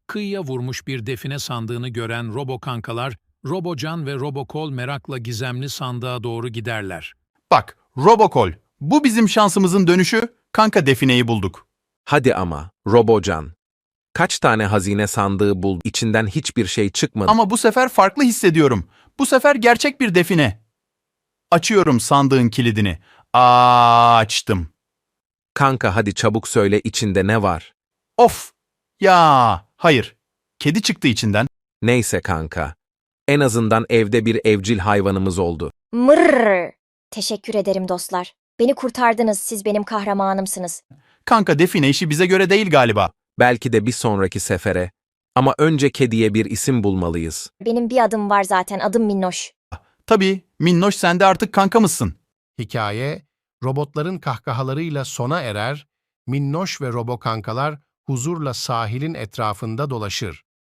Kıyıya vurmuş bir define sandığını gören robokankalar, Robocan ve Robokol merakla gizemli sandığa doğru giderler. Bak, Robokol. Bu bizim şansımızın dönüşü. Kanka defineyi bulduk. Hadi ama, Robocan. Kaç tane hazine sandığı buldu, içinden hiçbir şey çıkmadı. Ama bu sefer farklı hissediyorum. Bu sefer gerçek bir define. Açıyorum sandığın kilidini. Açtım. Kanka hadi çabuk söyle içinde ne var? Of! Ya, hayır. Kedi çıktı içinden. Neyse kanka. En azından evde bir evcil hayvanımız oldu. Mırrr. Teşekkür ederim dostlar. Beni kurtardınız, siz benim kahramanımsınız. Kanka define işi bize göre değil galiba. Belki de bir sonraki sefere. Ama önce kediye bir isim bulmalıyız. Benim bir adım var zaten, adım Minnoş. Tabii, Minnoş sen de artık kankamızsın. Hikaye, robotların kahkahalarıyla sona erer, Minnoş ve Robokankalar huzurla sahilin etrafında dolaşır.